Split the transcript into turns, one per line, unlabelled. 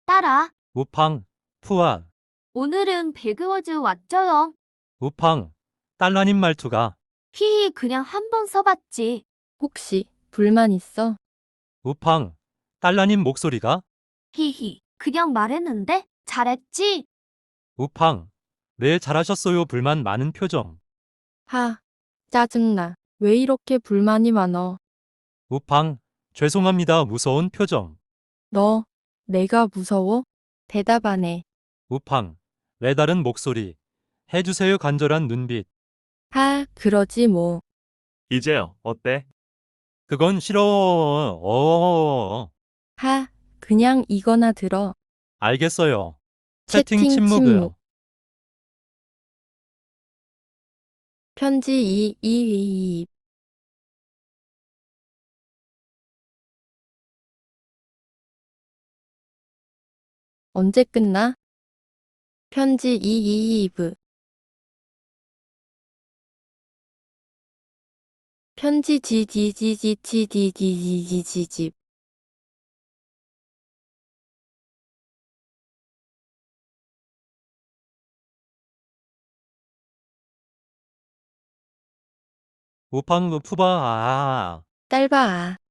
따라.
우팡, 푸아,
오늘은 배그워즈 왔죠요.
우팡, 딸라님 말투가.
히히 그냥 한 번 써봤지.
혹시 불만 있어?
우팡, 딸라님 목소리가.
히히 그냥 말했는데 잘했지?
우팡, 네 잘하셨어요. 불만 많은 표정.
하, 짜증나. 왜 이렇게 불만이 많어?
우팡, 죄송합니다. 무서운 표정.
너, 내가 무서워? 대답 안 해.
우팡, 레다른 목소리. 해주세요. 간절한 눈빛.
하, 그러지 뭐.
이제 어때?
그건 싫어.
하, 그냥 이거나 들어.
알겠어요. 채팅
채팅
침묵이요.
침묵. 편지 2. 언제 끝나? 편지 2. 편지 지지지지지지지지집.
우팡, 푸바, 아.
짧아.